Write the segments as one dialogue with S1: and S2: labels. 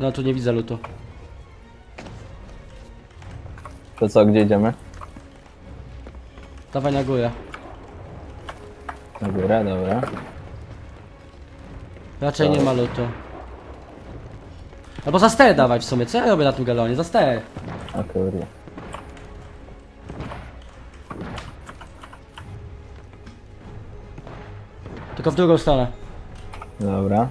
S1: No tu nie widzę lutu.
S2: To co, gdzie idziemy?
S1: Dawaj na górę.
S2: Na górę, dobra.
S1: Raczej nie ma lutu. Albo za ster dawaj w sumie, co ja robię na tym galonie? Za ster.
S2: A kurde.
S1: Tylko w drugą stronę.
S2: Dobra.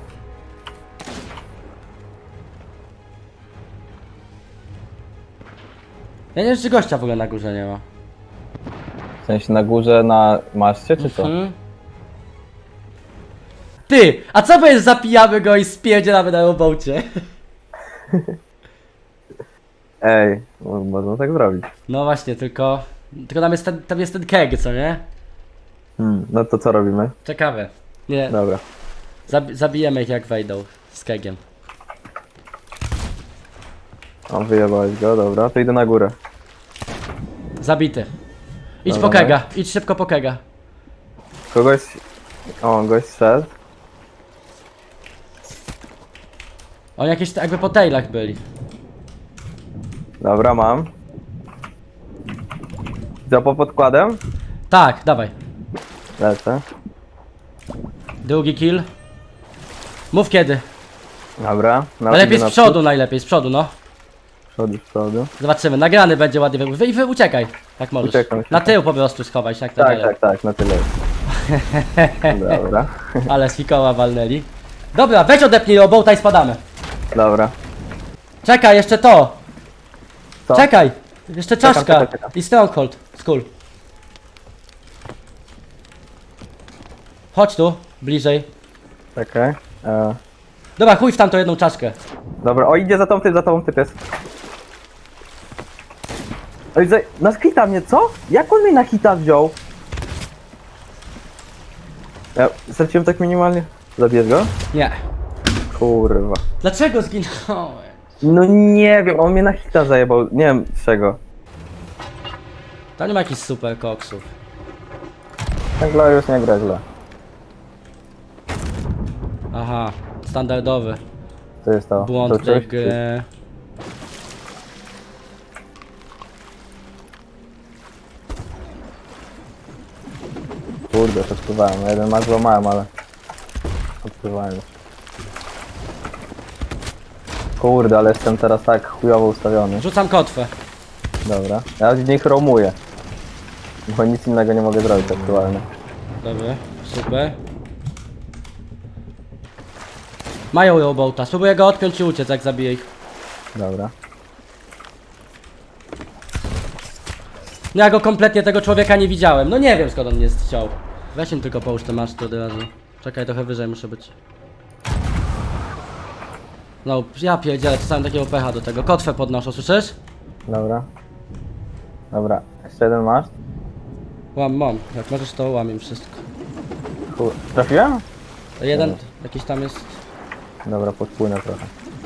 S1: Ja nie wiem, czy gościa w ogóle na górze nie ma.
S2: W sensie na górze na maszcie, czy co?
S1: Mhm. Ty! A co powiesz, zapijamy go i spierdzielamy na robocie?
S2: Ej, można tak zrobić.
S1: No właśnie, tylko tam jest ten keg, co nie?
S2: No to co robimy?
S1: Ciekawe. Nie,
S2: Dobra.
S1: zabijemy ich jak wejdą z kegiem.
S2: O, wyjebałeś go, dobra, to idę na górę.
S1: Zabity. Idź
S2: Dobra,
S1: po kega, idź szybko po kega.
S2: Kogoś... O, gość szedł.
S1: Oni jakieś jakby po tailach byli.
S2: Dobra, mam. Co, po podkładem?
S1: Tak, dawaj.
S2: Lecę.
S1: Drugi kill. Mów kiedy.
S2: Dobra.
S1: Ale lepiej z przodu, najlepiej, z przodu, no.
S2: Z przodu.
S1: Zobaczymy, nagrany będzie ładnie. Wy uciekaj, jak możesz.
S2: Uciekam się.
S1: Na tył po prostu schowaj się, jak
S2: Tak, na tyle. Dobra.
S1: Ale z fikoła walnęli. Dobra, weź odepnij robota i spadamy.
S2: Dobra.
S1: Czekaj, jeszcze to.
S2: Co?
S1: Czekaj, jeszcze czaszka.
S2: czekam.
S1: I stronghold, skull. Chodź tu, bliżej.
S2: Czekaj.
S1: Dobra, chuj w tamtą jedną czaszkę.
S2: Dobra, o idzie za tobą typ jest. Oj, na hita mnie, co? Jak on mnie na hita wziął? Ja straciłem tak minimalnie. Zabierz go?
S1: Nie.
S2: Kurwa.
S1: Dlaczego zginąłem?
S2: No nie wiem, on mnie na hita zajebał. Nie wiem z czego.
S1: Tam nie ma jakichś super koksów.
S2: Ten Glorious nie gra źle.
S1: Aha, standardowy.
S2: Co jest to?
S1: Błąd
S2: To
S1: tej
S2: coś?
S1: gry.
S2: Kurde, to odpływałem. Jeden ma złamałem, ale... Odpływałem. Kurde, ale jestem teraz tak chujowo ustawiony.
S1: Rzucam kotwę.
S2: Dobra. Ja z nich romuję. Bo nic innego nie mogę zrobić aktualnie.
S1: Dobry, super. Mają robota, spróbuję go odpiąć i uciec, jak zabiję ich.
S2: Dobra.
S1: No ja go kompletnie, tego człowieka nie widziałem. No nie wiem, skąd on mnie chciał. Weź im tylko połóż te maszty od razu. Czekaj, trochę wyżej muszę być. No, ja pierdzielę, czasami takiego pecha do tego. Kotwę podnoszę, słyszysz?
S2: Dobra. Dobra. Jeszcze jeden masz?
S1: Mam. Jak możesz, to łam im wszystko.
S2: Trafiłem?
S1: Jeden, jakiś tam jest.
S2: Dobra, podpłynę trochę.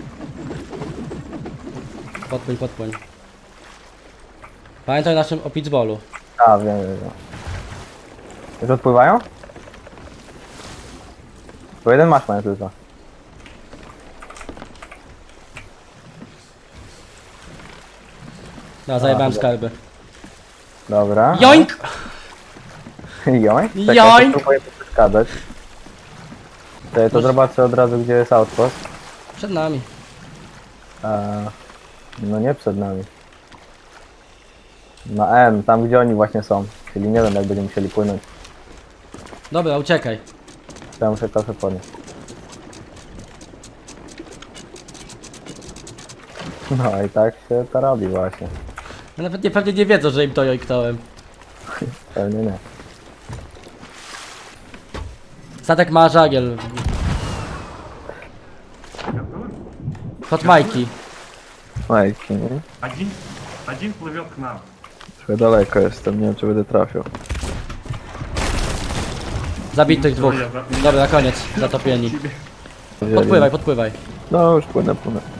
S1: Podpłyń. Pamiętaj o naszym pitballu.
S2: A, wiem. Już odpływają? Bo jeden masz mają tylko.
S1: No, zajebałem
S2: dobra.
S1: skarby.
S2: Dobra.
S1: Joink!
S2: Joink? Czekaj,
S1: Joink!
S2: to spróbuję przeszkadzać. To zobaczę od razu, gdzie jest outpost.
S1: Przed nami.
S2: No nie przed nami. Na M, tam gdzie oni właśnie są. Czyli nie wiem, jak będziemy musieli płynąć.
S1: Dobra, uciekaj.
S2: To ja muszę kofę podnieść. No i tak się to robi właśnie.
S1: No nawet pewnie nie wiedzą, że im to joiktałem.
S2: Pewnie nie.
S1: Statek ma żagiel. Hot Mikey.
S2: Majki, nie?
S3: Один плывет к нам.
S2: Trochę daleko jestem, nie wiem czy będę trafił.
S1: Zabitych dwóch. Dobra, koniec. Zatopieni. Podpływaj.
S2: No już płynę.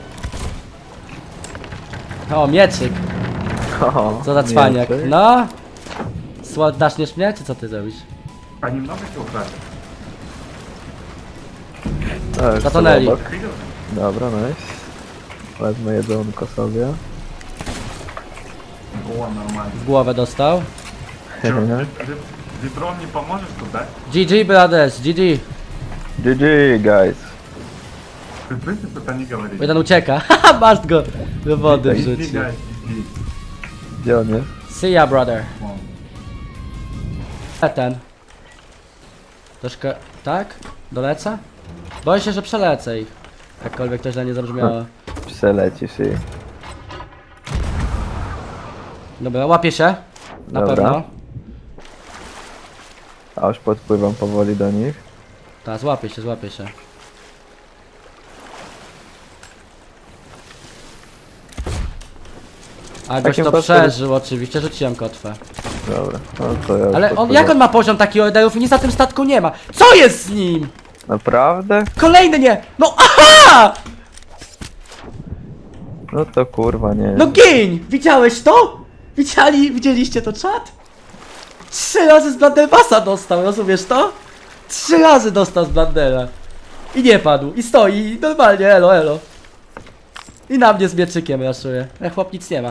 S1: O, mieczyk.
S2: O,
S1: Co za cwaniak.
S2: mieczyk.
S1: No. Daczniesz mnie, czy co ty zrobisz?
S3: А немного тебя украли?
S2: No, już
S1: Zatonęli.
S2: są obok. Dobra, nice. Wezmę jedzonko sobie.
S3: О, нормально.
S1: W głowę dostał.
S3: Чё, Ветром не поможешь туда?
S1: GG brothers, GG.
S2: GG, guys.
S3: Ты в принципе это не говоришь.
S1: Jeden ucieka. Haha, masz go do wody
S3: Иди,
S1: wrzucił.
S3: гайс, иди.
S2: Gdzie on jest?
S1: See ya brother.
S3: Вон.
S1: Ten. Troszkę, tak? Dolecę? Boję się, że przelecę ich. Jakkolwiek to źle nie zabrzmiało.
S2: Przelecisz i...
S1: Dobra, łapię się. Na
S2: Dobra.
S1: pewno.
S2: A już podpływam powoli do nich.
S1: Tak, złapię się, złapię się. A goś
S2: Takim
S1: to
S2: postem-
S1: przeżył oczywiście, rzuciłem kotwę.
S2: Dobra, no to ja już
S1: Ale on,
S2: podpływam.
S1: jak on ma poziom takich orderów i nic na tym statku nie ma? Co jest z nim?
S2: Naprawdę?
S1: Kolejny nie! No aha!
S2: No to kurwa nie.
S1: No giń! Widziałeś to? Widzieliście to czat? 3 razy z Blandelbasa dostał, rozumiesz to? 3 razy dostał z Blandela. I nie padł, i stoi, i normalnie, elo, elo. I na mnie z mieczykiem raszuje. Chłop nic nie ma.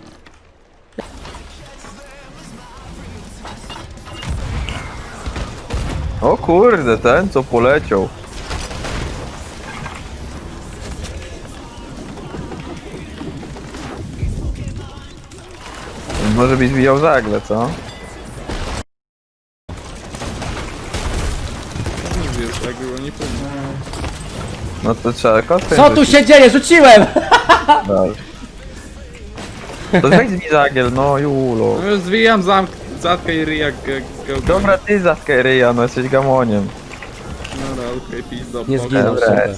S2: O kurde, ten co poleciał. Może byś zwijał żagle, co?
S4: Wiesz, tak było nie powinno.
S2: No to trzeba kostkę
S1: Co tu się dzieje? Rzuciłem!
S2: To weź zwij żagiel, no Julo.
S4: No już zwijam zatkę i ryj jak go.
S2: Dobra, ty zatkę ryja, no jesteś gamoniem.
S4: Dobra, okej, pizdo.
S1: Nie
S4: spoko.
S1: zginął,
S2: Dobra.
S1: super.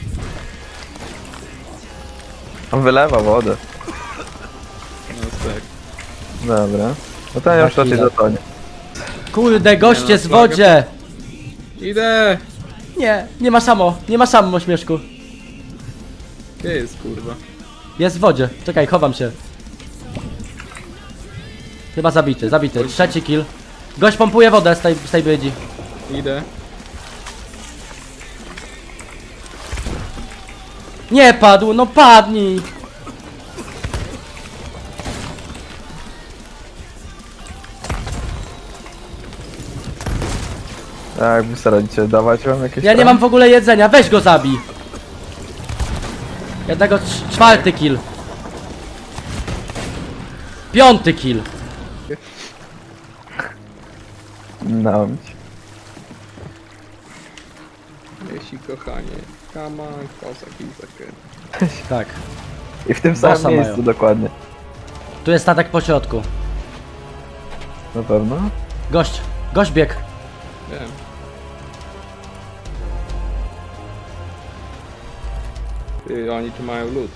S2: On wylewa wodę.
S4: No tak.
S2: Dobra. No to ja już raczej
S1: chwila.
S2: zatonie.
S1: Kurde, goście
S4: Nie,
S1: z
S4: no,
S1: wodzie!
S4: Idę!
S1: Nie, nie ma samo, śmieszku.
S4: Gdzie jest kurwa?
S1: Jest w wodzie. Czekaj, chowam się. Chyba zabity, zabity. 3 kill. Gość pompuje wodę z tej brydzi.
S4: Idę.
S1: Nie padł, no padnij!
S2: A jakby staracie dawać wam jakieś
S1: Ja nie mam w ogóle jedzenia, weź go zabij! Jednego 4 kill. 5 kill.
S2: No.
S4: Jeśli kochanie. Come on, kozak i zakręt.
S1: Tak.
S2: I w tym
S1: Bossa
S2: samym miejscu
S1: mają.
S2: dokładnie.
S1: Tu jest statek po środku.
S2: Na pewno?
S1: Gość biegł.
S4: Wiem. Ty, oni tu mają lód.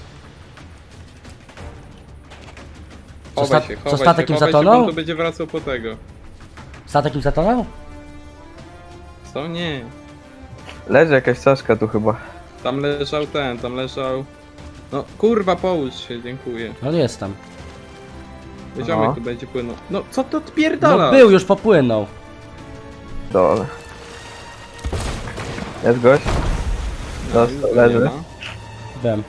S1: Co
S4: Chowaj
S1: sta-
S4: się,
S1: co
S4: chowaj
S1: statek
S4: się,
S1: im
S4: chowaj się,
S1: zatonął?
S4: bo on tu będzie wracał po tego.
S1: Statek im zatonął?
S4: Co? Nie.
S2: Leży jakaś czaszka tu chyba.
S4: Tam leżał ten, tam leżał... No kurwa, połóż się, dziękuję.
S1: No nie jest tam.
S4: Ziomek
S2: No.
S4: tu będzie płynął. No co to
S1: No
S4: odpierdala?
S1: był, już popłynął.
S2: Dole. Jest gość? Dostał,
S4: Nie
S2: leży.
S4: ma.
S1: Wiem.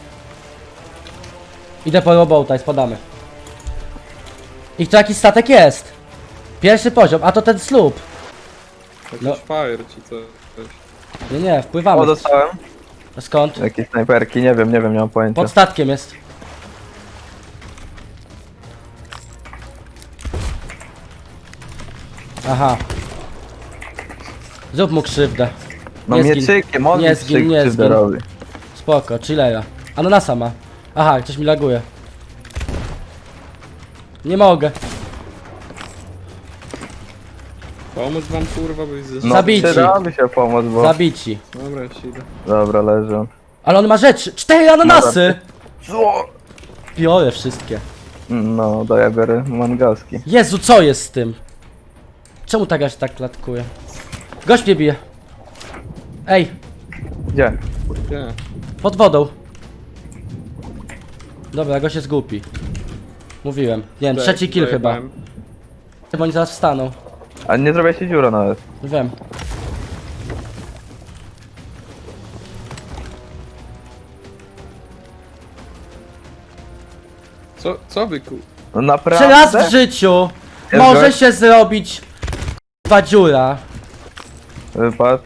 S1: Idę po robota i spadamy. I to jakiś statek jest. Pierwszy poziom, a to ten słup.
S4: Jakiś
S1: No.
S4: fire czy coś.
S1: Nie, wpływamy.
S2: O, dostałem.
S1: Skąd?
S2: Jakieś snajperki, nie wiem, nie mam pojęcia.
S1: Pod statkiem jest. Aha. Zrób mu krzywdę.
S2: No
S1: nie zgin.
S2: mieczykiem, on
S1: Nie
S2: mi
S1: zgin, nie
S2: krzywdę
S1: zgin.
S2: robi.
S1: Spoko, chillera. Ananasa ma. Aha, coś mi laguje. Nie mogę.
S4: Pomóc wam kurwa, bo jest
S2: No,
S1: Zabici.
S2: przydałaby się pomoc, bo...
S1: Zabici.
S4: Dobra, już idę.
S2: Dobra, leży on.
S1: Ale on ma rzeczy. 4 ananasy!
S2: Co?
S1: Biorę wszystkie.
S2: No, to ja biorę mangaski.
S1: Jezu, co jest z tym? Czemu tak aż tak klatkuje? Gość mnie bije. Ej,
S2: Gdzie?
S4: Gdzie?
S1: pod wodą. Dobra, gość jest głupi. Mówiłem. Nie wiem, trzeci kill chyba.
S4: Zajebałem.
S1: Chyba oni zaraz wstaną.
S2: A nie zrobię się dziura nawet.
S1: Wiem.
S4: Co wy ku...
S2: No
S1: Czy
S2: naprawdę?
S1: raz w życiu
S2: Jest
S1: może
S2: gość?
S1: się zrobić k***wa dziura.
S2: Wypad.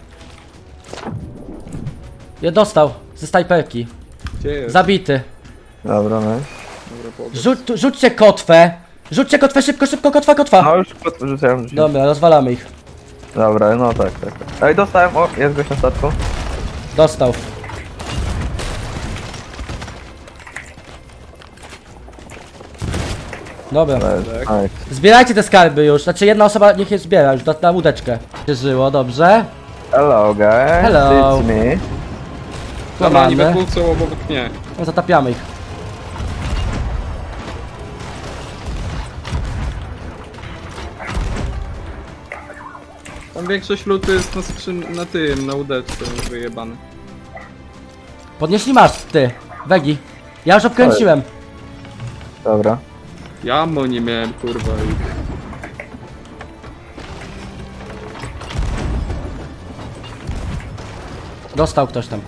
S1: Ja dostał ze snajperki.
S4: Gdzie jest?
S1: Zabity.
S2: Dobra, no.
S4: Dobra, powiedz.
S1: Rzućcie kotwę. Rzućcie kotwę szybko, szybko, kotwa.
S2: No już rzuciłem.
S1: Dobra, rozwalamy ich.
S2: Dobra, no tak. Ej, dostałem, o, jest gość na statku.
S1: Dostał. Dobra.
S2: Ej,
S1: Zbierajcie te skarby już. Znaczy jedna osoba niech je zbiera już na łódeczkę. Się żyło, dobrze.
S2: hello guys,
S1: Hello.
S2: it's me.
S4: Dobra, oni we
S1: Mamy.
S4: dwóch są obok mnie.
S1: No, zatapiamy ich.
S4: Tam większość lutu jest na na tym, na łódeczce wyjebany.
S1: Podnieśli masz, ty. Wegi. Ja już obkręciłem.
S2: Dobra.
S4: Ja mo nie miałem, kurwa.
S1: Dostał ktoś tam.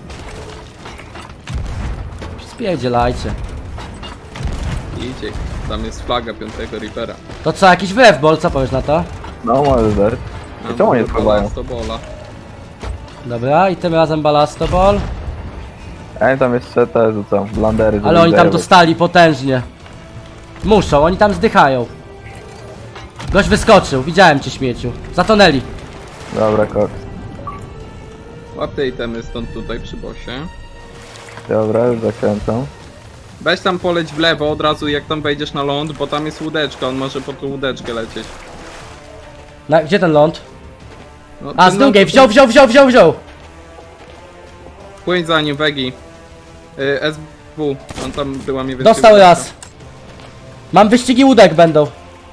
S1: Spierdzielajcie.
S4: Idzie. Tam jest flaga 5. Reapera.
S1: To co, jakiś wrewbol, co powiesz na to?
S2: No, możesz dać. I czemu nie wpływają?
S4: To bola.
S1: Dobra, i tym razem balastobol.
S2: Ej, tam jeszcze te rzucam, blandery.
S1: Ale oni tam
S2: zajebać.
S1: dostali potężnie. Muszą, oni tam zdychają. Gość wyskoczył, widziałem cię śmieciu. Zatonęli.
S2: Dobra, kok.
S4: Łap te itemy stąd tutaj przy bosie.
S2: Dobra, już zakręcam.
S4: Weź tam poleć w lewo od razu jak tam wejdziesz na ląd, bo tam jest łódeczka, on może po tą łódeczkę lecieć.
S1: Gdzie ten ląd?
S4: No,
S1: A,
S4: ty
S1: z drugiej, wziął!
S4: Płyń za nim, Wegi. SW, on tam była mi
S1: Dostał raz. Mam wyścigi łódek będą.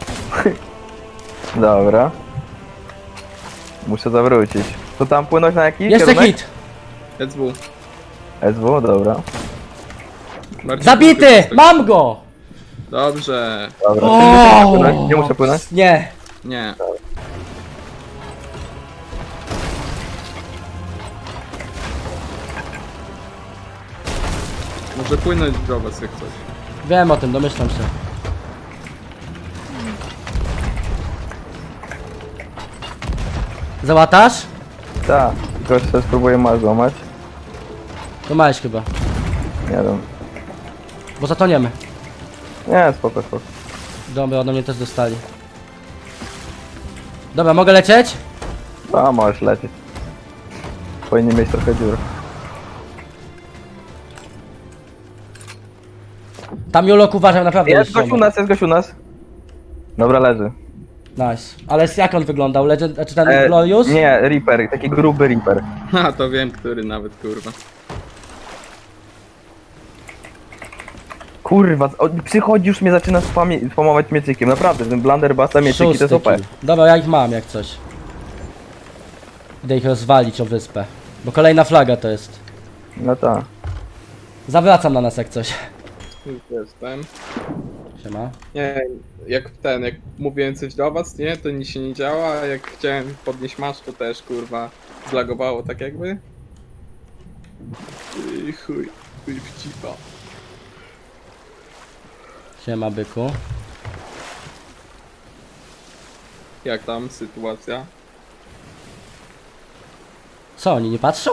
S2: Dobra. Muszę zawrócić. To tam płynąć na jakiś
S1: Jeszcze
S2: kierunek?
S1: hit.
S4: SW.
S2: SW, dobra.
S4: Bardziej
S1: Zabity!
S4: krótko
S1: Mam go!
S4: Dobrze.
S2: Dobra.
S1: O!
S2: Nie muszę płynąć?
S1: Nie.
S4: Nie. Może płynąć do was jak coś.
S1: Wiem o tym, domyślam się. Załatasz?
S2: Tak. Tylko jeszcze spróbuję mal złamać.
S1: To małeś chyba.
S2: Nie wiem.
S1: Bo zatoniemy.
S2: Nie, spoko, spoko.
S1: Dobra, ode mnie też dostali. Dobra, mogę lecieć?
S2: A, możesz lecieć. Powinien mieć trochę dziur.
S1: Tam Julok uważam, naprawdę
S2: Jest gość u nas, jest gość u nas. Dobra, leży.
S1: Nice. Ale jak on wyglądał? Legend, czy ten Glorious?
S2: Nie, Reaper, taki gruby Reaper.
S4: Ha, to wiem, który nawet, kurwa.
S2: Kurwa, przychodzi już mnie zaczyna spamować miecykiem. Naprawdę, ten blunderbassa miecyki to jest OP.
S1: kill. Dobra, ja ich mam jak coś. Idę ich rozwalić o wyspę. Bo kolejna flaga to jest.
S2: No tak.
S1: Zawracam na nas jak coś.
S4: Już jestem.
S1: Siema.
S4: Nie, jak mówiłem coś do was, nie, to nic się nie działa, a jak chciałem podnieść masz, to też, kurwa, zlagowało tak jakby. Chuj w cipa.
S1: Siema byku.
S4: Jak tam sytuacja?
S1: Co, oni nie patrzą?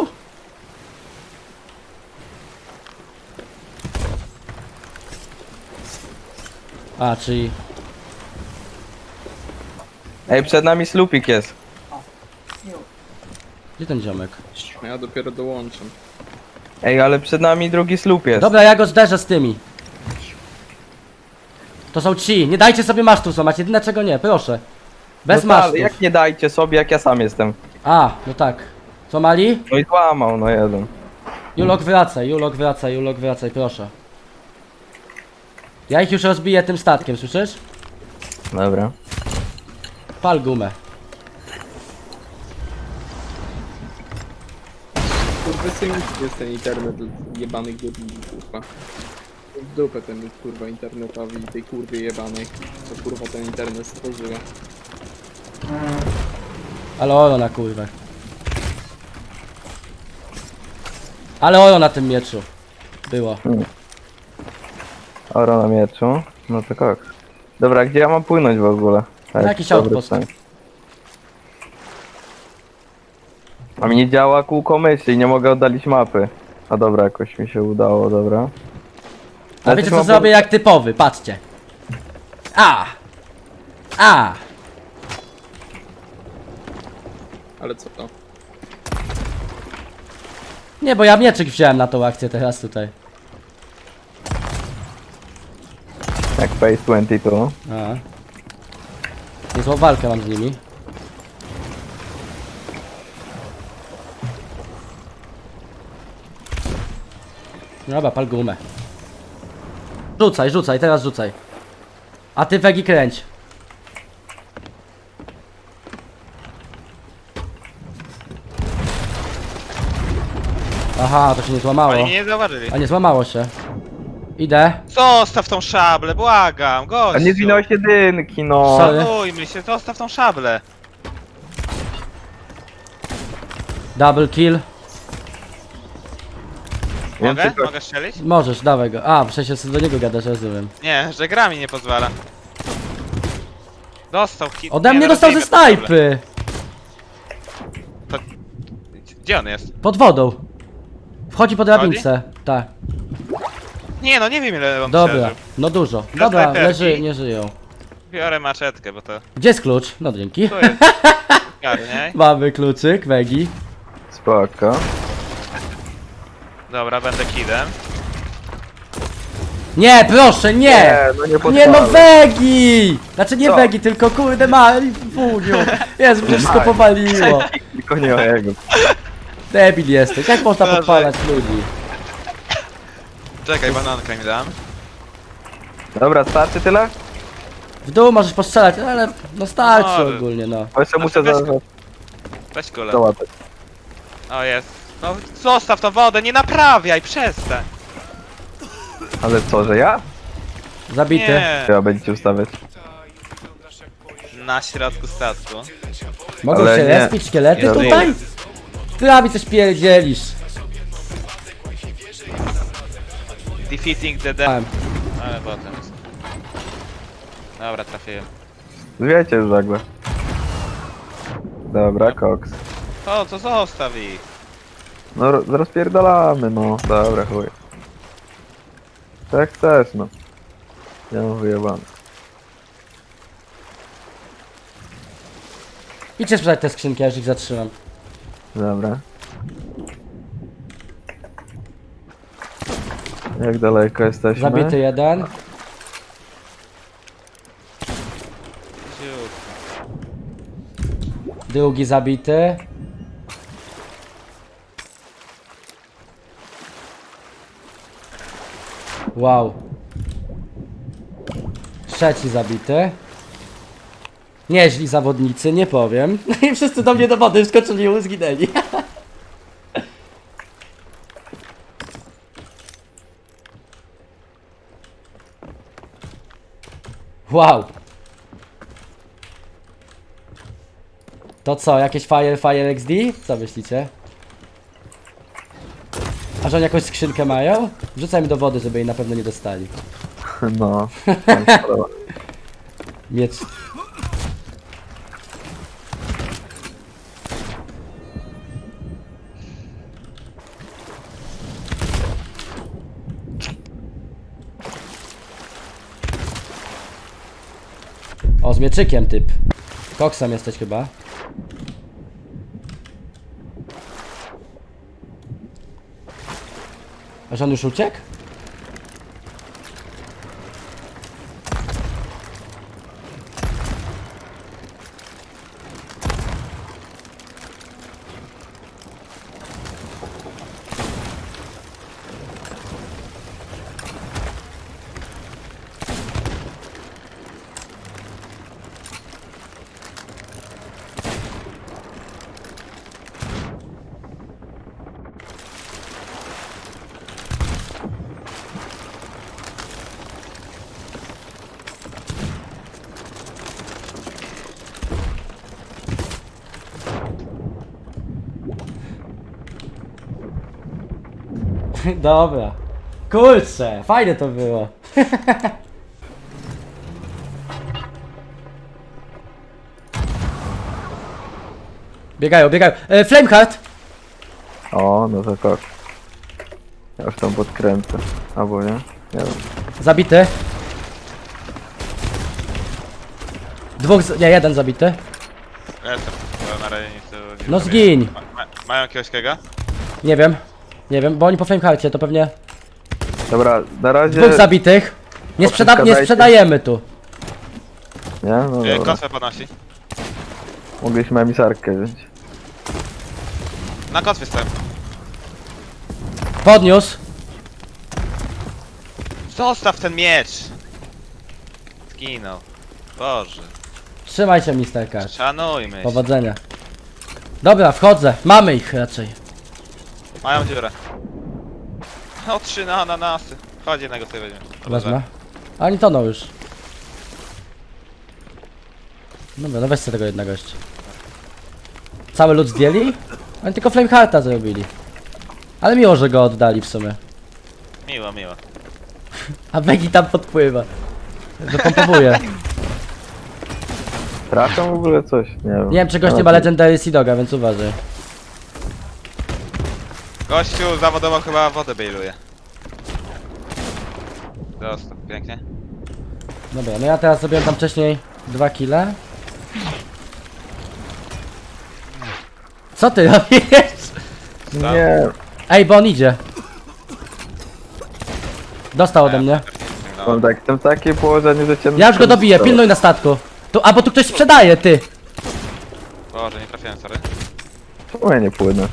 S1: A, czyli...
S2: Ej, przed nami slupik jest.
S1: Gdzie ten ziomek?
S4: Ja dopiero dołączam.
S2: Ej, ale przed nami drugi slup jest.
S1: Dobra, ja go zderzę z tymi. To są ci. Nie dajcie sobie masztów złamać. Jedyne czego nie, proszę. Bez
S2: no tak,
S1: masztów.
S2: jak nie dajcie sobie, jak ja sam jestem.
S1: A, no tak. Co mali?
S2: No i złamał, no jeden.
S1: Julok wracaj, proszę. Ja ich już rozbiję tym statkiem, słyszysz?
S2: Dobra.
S1: Pal gumę.
S4: Kurwa, jest ten internet jebany górnik, kurwa. W dupę ten kurwa internetowi i tej kurwie jebanej, co kurwa ten internet stworzyła.
S1: Ale oro na kurwę. Ale oro na tym mieczu. Było.
S2: Oro na mieczu. No to kok. Dobra, gdzie ja mam płynąć w ogóle? Tak,
S1: Na jakiś
S2: dobry
S1: outpost.
S2: stan. A mi nie działa kółko myszy i nie mogę oddalić mapy. A dobra, jakoś mi się udało, dobra.
S1: A
S2: Ale
S1: wiecie
S2: też
S1: co
S2: mam
S1: zrobię jak typowy, patrzcie. A! A!
S4: Ale co to?
S1: Nie, bo ja mieczyk wziąłem na tą akcję teraz tutaj.
S2: Jak Phase 22.
S1: A. Niezłą walkę mam z nimi. Dobra, pal gumę. Rzucaj, rzucaj, teraz rzucaj. A ty Wegi kręć. Aha, to się nie złamało.
S5: Oni mnie nie zauważyli.
S1: A nie złamało się. Idę.
S5: Zostaw tą szablę, błagam, gościu.
S2: A nie zwinąłeś jedynki, no.
S1: Sorry.
S5: Szanujmy się, zostaw tą szablę.
S1: Double kill.
S2: Wiem,
S5: Mogę?
S2: tylko-
S5: Mogę strzelić?
S1: Możesz, dawaj go. A, przecież do niego gadasz, rozumiem.
S5: Nie, że gra mi nie pozwala. Dostał hit.
S1: Ode
S5: nie,
S1: mnie
S5: no
S1: dostał ze
S5: rozbijmy tą szablę.
S1: snajpy.
S5: Gdzie on jest?
S1: Pod wodą. Wchodzi po drabince. Tak.
S5: Nie no, nie wiem ile on
S1: Dobra.
S5: przeżył.
S1: No dużo.
S5: Dla
S1: Dobra,
S5: snajperki.
S1: leży, nie żyją.
S5: Biorę maczetkę, bo to...
S1: Gdzie jest klucz? No dzięki.
S5: Tu jest. Garniaj.
S1: Mamy kluczyk, Wegi.
S2: Spoko.
S5: Dobra, będę kidem.
S1: Nie, proszę, nie!
S2: no nie
S1: Nie
S2: pozwolę.
S1: no, Wegi! Znaczy nie
S2: Co?
S1: Wegi, tylko kurde Wuniu. Jezu, mnie wszystko powaliło.
S2: Tylko nie o jego.
S1: Debil jesteś, jak można
S5: Boże.
S1: podpalać ludzi?
S5: Czekaj, banankę mi dam.
S2: Dobra, starczy tyle?
S1: W dół możesz postrzelać, ale no starczy
S5: Może.
S1: ogólnie, no.
S2: Bo jeszcze muszę
S5: weź-
S2: za...
S5: Weź kulę.
S2: załatać.
S5: O, jest. No, zostaw tą wodę, nie naprawiaj, przestań.
S2: Ale co, że ja?
S1: Zabity.
S5: Nie.
S2: Trzeba będziecie ustawiać.
S5: Na środku statku.
S1: Mogą
S2: Ale
S1: się
S2: nie.
S1: respić szkielety
S5: Nie
S1: tutaj? Ty mi coś pierdzielisz.
S5: Defeating the death. Ale potem jest. Dobra, trafiłem.
S2: Wiecie już nagle. Dobra, koks.
S5: To zostaw ich.
S2: No rozpierdalamy, no. Dobra, chuj. Tak chcesz, no. Ja mam wyjebane.
S1: Idźcie sprzedać te skrzynki, ja już ich zatrzymam.
S2: Dobra. Jak daleko jesteśmy?
S1: Zabity jeden.
S5: Ziut.
S1: Drugi zabity. Wow. Trzeci zabity. Nieźli zawodnicy, nie powiem. I wszyscy do mnie do wody wskoczyli i zginęli. Wow. To co, jakieś Fire XD? Co myślicie? A że oni jakąś skrzynkę mają? Wrzucaj mi do wody, żeby jej na pewno nie dostali.
S2: No.
S1: Miecz. O, z mieczykiem typ. Koksem jesteś chyba. A że on już uciekł? Dobra. Kurczę, fajne to było. Biegają. Flameheart!
S2: O, no to tak. Ja już tam podkręcę. Albo nie? Nie wiem.
S1: Zabity. Jeden zabity.
S5: Jestem, bo na razie nic tu nie
S1: No
S5: zrobię.
S1: zgiń.
S5: Mają jakiegoś kega?
S1: Nie wiem, bo oni po Flamehearcie to pewnie...
S2: Dobra, na razie...
S1: Dwóch zabitych. Nie
S2: Odciskadajcie.
S1: sprzedajemy tu.
S2: Nie? No dobra.
S5: Kosę podnosi.
S2: Mogliśmy emisarkę wziąć.
S5: Na kotwie stoją.
S1: Podniósł.
S5: Zostaw ten miecz! Zginął. Boże.
S1: Trzymaj się, Mr. Card.
S5: Szanujmy się.
S1: Powodzenia. Dobra, wchodzę. Mamy ich raczej.
S5: Mają dziurę. O, 3 na ananasy. Chodź, jednego sobie weźmiemy.
S1: Wezmę. A oni toną już. Dobra, no weź sobie tego jednego jeszcze. Cały lud zdjęli? Oni tylko Flamehearta zrobili. Ale miło, że go oddali w sumie.
S5: Miło, miło.
S1: A Vegi tam podpływa. Wypompowuje.
S2: Trafią w ogóle coś? Nie wiem.
S1: Nie wiem, czy gość nie ma Legendary Sea Doga, więc uważaj.
S5: Gościu zawodowo chyba wodę bailuje. Zostaw, pięknie.
S1: Dobra, no ja teraz zrobiłem tam wcześniej 2 kile. Co ty robisz?
S2: Nie.
S1: Ej, bo on idzie. Dostał ode mnie.
S2: Mam tak, jestem w takim położeniu, że cię...
S1: Ja już go dobiję, pilnuj na statku. Tu, a bo tu ktoś sprzedaje, ty.
S5: Boże, nie trafiłem, sorry.
S2: Czemu ja nie płynę?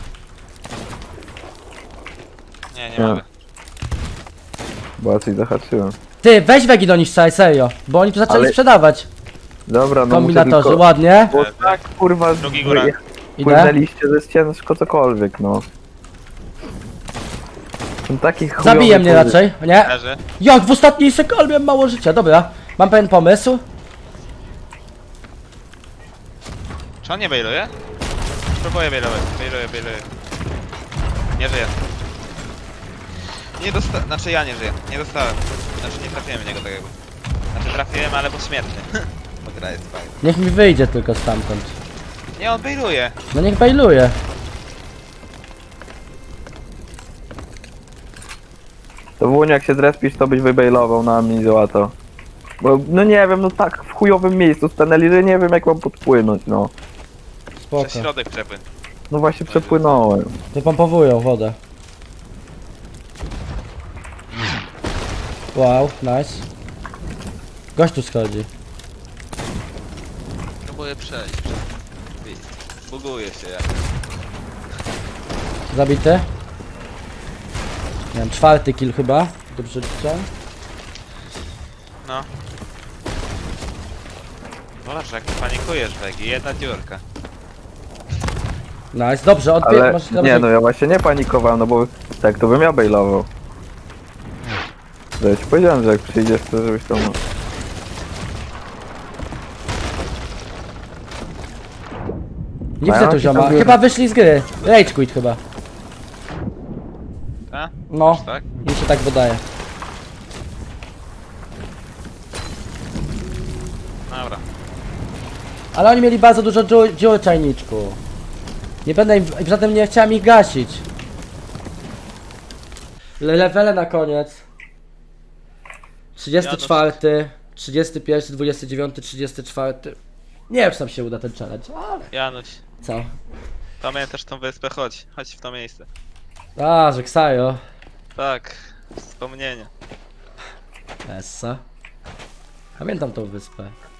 S5: Nie
S2: Nie.
S5: mogę.
S2: Bo ja coś zahaczyłem.
S1: Ty, weź Vegi do nich strzelaj, serio. Bo oni tu zaczęli
S2: Ale-
S1: sprzedawać.
S2: Dobra, no
S1: Kombinatorzy,
S2: muszę tylko...
S1: ładnie.
S2: Bo tak, kurwa,
S5: Drugi góra.
S1: Idę.
S2: płynęliście, że jest ciężko cokolwiek, no. Są takich
S1: Zabije mnie raczej, nie?
S5: Leży.
S1: Jak w ostatniej sekundzie miałem mało życia, dobra. Mam pewien pomysł.
S5: Czy on nie bailuje? Próbuję bailować. Bailuję. Nie żyję. Nie dostałem. Znaczy ja nie żyję. Nie dostałem. Znaczy nie trafiłem w niego tak jakby. Znaczy trafiłem, ale pośmiertnie. Bo gra jest fajna.
S1: Niech mi wyjdzie tylko stamtąd.
S5: Nie, on bailuje.
S1: No niech bailuje.
S2: To Wuniu, jak się zrespisz, to byś wybailował na mnie i załatał. Bo, no nie wiem, no tak w chujowym miejscu stanęli, że nie wiem jak mam podpłynąć, no.
S1: Spoko.
S5: Przez środek przepłyn.
S2: No właśnie przepłynąłem.
S1: Wypompowują wodę. Wow, nice. Gość tu schodzi.
S5: Próbuję przejść. Buguje się jak.
S1: Zabity. Miałem 4. kill chyba. Dobrze liczę.
S5: No. Boże, jak panikujesz, Wegi. Jedna dziurka.
S1: Nice, dobrze,
S2: Ale
S1: masz
S2: nie, no ja właśnie nie panikowałem, no bo tak to bym ja bailował. To ja ci powiedziałem, że jak przyjdziesz, to żebyś tam... no.
S1: Nie widzę
S2: Mają
S1: tu
S2: się
S1: zioma.
S2: tam biorą.
S1: Chyba wyszli z gry. Rage quit chyba.
S5: Tak?
S1: No,
S5: Tak?
S1: mi się tak wydaje.
S5: Dobra.
S1: Ale oni mieli bardzo dużo dziur czajniczku. Nie będę im, zatem nie chciałem ich gasić. Levele na koniec. 34, 31, 29, 34. Nie wiem, czy tam się uda ten challenge, ale
S5: Januś,
S1: co?
S5: pamiętasz tą wyspę? Chodź. Chodź w to miejsce.
S1: A, że Ksajo.
S5: Tak. Wspomnienie.
S1: Essa. Pamiętam tą wyspę.